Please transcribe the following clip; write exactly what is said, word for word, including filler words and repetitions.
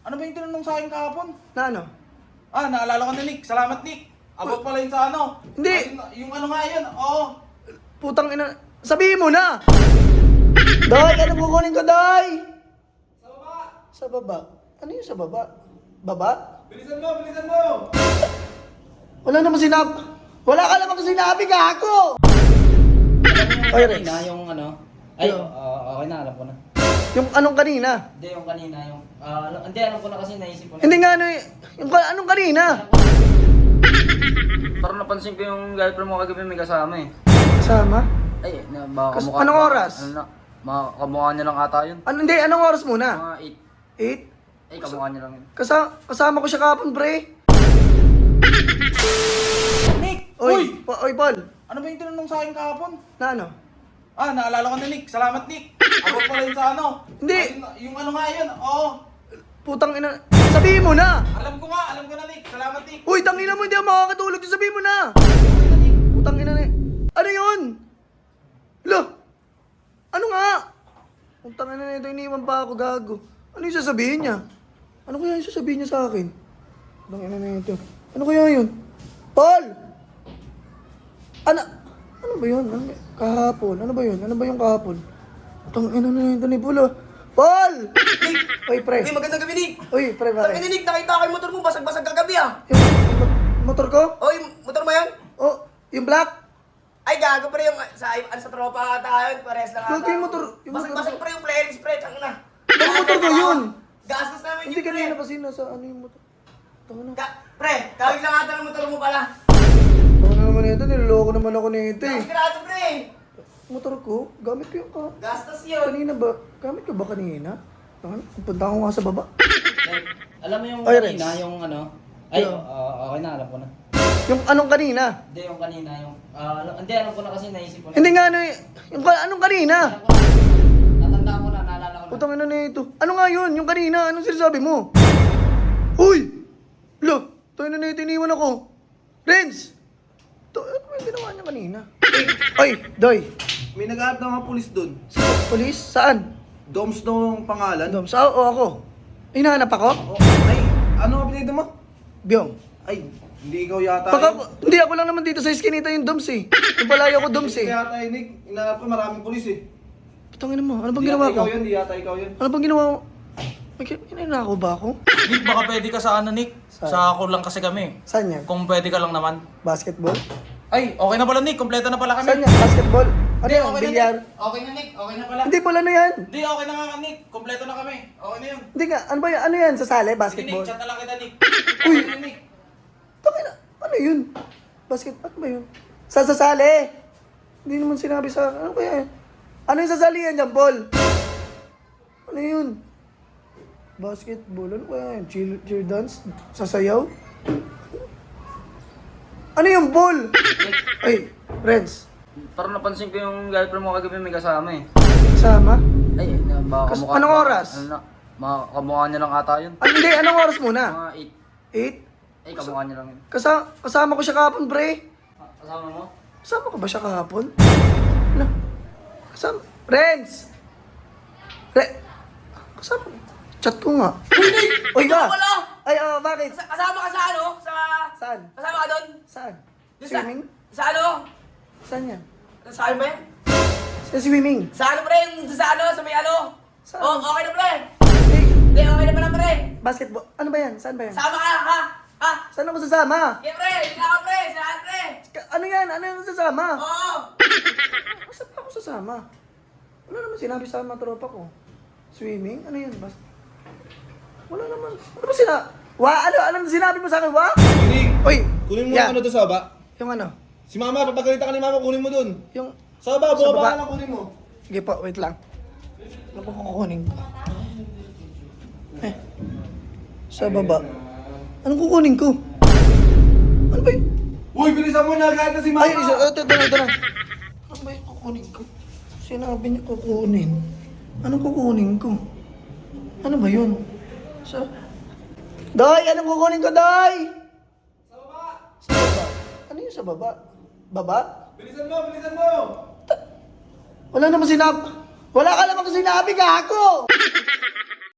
Ano ba yung tinanong sa akin kahapon? Na ano? Ah, naalala ko na Nick. Salamat Nick. Abot pala yun sa ano. Hindi. Yung, yung ano nga yun, oo. Putang ina. Sabihin mo na! Day, ano kukunin ko, Day? Sa baba. Sa baba? Ano yung sa baba? Baba? Bilisan mo, bilisan mo. Wala namang sinab... Wala ka namang sinabi, gago! Oy, Rex. Kanina, yung ano. Ay, Yo. ah, okay na, alam ko na. Yung anong kanina? Hindi, yung kanina, yung... ah, alam- hindi, alam ko na kasi naisip ko na. Hindi nga ano y- yung ka- anong kanina? Parang napansin ko yung girlfriend mo kagabi may kasama eh. Sama? Ay, na, baka Kas- kamukha- anong baka- oras? Ano na, mga kamukha niya lang ata yun. Ano, hindi, anong oras muna? Mga eight. Eight? Ay, kamukha niya lang yun. Kasa kasama ko siya kahapon, pre. Nick! Oy, Uy! pa- oy, Paul. Ano ba yung tinanong sa akin kahapon? Na ano? Ah, naalala ko na Nick. Salamat Nick. Abot pala yun sa ano. Hindi. Ah, yung, yung ano nga yun, oo. Putang ina. Sabihin mo na! Alam ko nga, alam ko na Nick. Salamat Nick. Uy, tangina mo, hindi ako makakatulog. Sabihin mo na! Okay na Nick. Putang ina na. Ano yun? Lo! Ano nga? Putang ina na ito, iniwan pa ako, gago. Ano yung sasabihin niya? Ano kaya yung sasabihin niya sa akin? Putang ina na ito. Ano kaya yun? Paul! Ano? Ano ba yun? Ano, kahapon? Ano ba yun? Ano ba yung kahapon? Putang ina na ito ni Paul, ah. Paul! Nick! Uy, pre. Uy, magandang gabi, Nick! Uy, pre, Sabi pare. ni Nick, nakita ko yung motor mo, basag-basag kagabi ah! Yung, yung mo- motor ko? Oh, yung motor mo yan? Oh, yung black? Ay, gago pa rin yung sa, ano, sa tropa ata yun, pares lang Gago yung motor- yung motor Basag-basag ko. pa rin yung flaring spray, tsang na. Yung motor ko yun! Gastos namin Hindi yun, kanina pre. pa sino sa ano yung motor. Tama na. Ka pre, kawig lang ata ng motor mo pala. Tama na naman ito, niloloko naman ako nito eh. Sigurado, pre. Motor ko, gamit ko yung ka. Gastos yun. Kanina ba? Gamit ko ba kanina? Tama na, punta ko nga sa baba. Like, alam mo yung Oy, kanina, Rex. yung ano. Ay, Yo. ah, okay na, alam ko na. Yung anong kanina? Hindi, yung kanina, yung... ah, alam- hindi, alam ko na kasi naisip ko na. Hindi nga ano eh. Yung ka- anong kanina? Alam ko na. Natandaan ko na, naalala ko na. Putang ina na ito. Ano nga yun? Yung kanina, anong sinasabi mo? Uy! Lo! Tayo na na ito, iniwan ako. Renz! To, ano ba yung ginawa niya kanina? Oy, Doy! May nag-aat na mga pulis doon. Police? Saan? Doms daw ang pangalan. Dom, sa o ako? Hinahanap ako? Oh, ay, ano ang pinito mo? Byong. Ay, hindi ikaw yata Baka, yun. hindi ako lang naman dito sa iskinita yung Doms eh. Yung palayo ko Doms Hindi eh. yata yun, Nick. Inaanap ko maraming pulis eh. Putangin mo, ano bang Di ginawa yata ko? ikaw yun, di yata ikaw yun. Ano bang ginawa ko? May kinanako ba ako? Nick, baka pwede ka sa ano, Nick? Saan? Sa ako lang kasi kami. Saan yan? Kung pwede ka lang naman. Basketball? Ay, okay na pala, Nick. Kompleto na pala kami. Saan yan? Basketball? Ano Hindi, yan? okay na, Bilyar? Nick. Okay na, Nick. Okay na pala. Hindi pala na yan. Hindi, okay na nga, Nick. Kompleto na kami. Okay na yun. Hindi nga, ano ba yan? Ano yan? Sa sale? Sige, Nick. Basketball? Chat na lang kita, Nick. Uy. Okay na, Nick. Tangina, ano yun? Basket, ano ba yun? Sa sasali? Hindi naman sinabi sa ano kaya yun? Ano yung sasalihan dyan, Paul? Ano yun? Basketball, ano kaya yun? Cheer, cheer dance? Sasayaw? Ano yung Paul? Ay, friends. Parang napansin ko yung girlfriend mo kagabi may kasama eh. Kasama? Ay, na, baka Kas- kamukha... anong baka- oras? Ano na, mga kamukha niya lang ata yun. Ano, hindi, anong oras muna? Mga eight. Eight? Ay, kamukha niya lang yun. Kasa kasama ko siya kahapon, pre. Ah, kasama mo? Kasama ko ba siya kahapon? Ano? Kasama? Friends! Re... Kasama ko. Chat ko nga. Uy, Ikaw ka! pala! Ay, oh, bakit? Kas- Kasama ka sa ano? Sa... Saan? Kasama ka doon? Saan? Doon sa- Swimming? Sa ano? Saan yan? Sa ano ba yan? Sa swimming. Sa ano, pre? Yung Sa ano? Sa may ano? Saan? Oh, okay na, pre. Hey, Hindi, okay na pala, pre. basketball. Ano ba yan? Saan ba yan? Sama ka, ha? Ha? Saan ako sasama? Okay, pre. Hindi na ka, pre. Saan, pre? Ka- Ano yan? Ano yung sasama? Oo. Saan pa ako sasama? Wala naman sinabi sa mga tropa ko. Swimming? Ano yun? Bas Wala naman. Ano ba sina... Wa? Ano? Ano sinabi mo sa akin? Wa? Nick, Uy! kunin mo yan. yung ano doon sa baba. Yung ano? Si mama, papagalitan ka ni mama, kunin mo doon. Yung... Sa baba, Sa baba baba. ka lang kunin mo. Sige po, wait lang. Ano po kukunin ko? Eh. Sa baba. Anong kukunin ko? Ano ba yun? Uy, bilisan mo na, agad na si mama. Ay, isa, ito, ito, ito na. Ano ba yung kukunin ko? Sinabi niya kukunin. Anong kukunin ko? Ano ba yun? Sa... Day! Anong kukunin ko, Day? Sa baba. Sa baba. Ano yung sa baba? Baba? Bilisan mo, bilisan mo. Wala namang sinab... Wala ka namang sinabi, gago!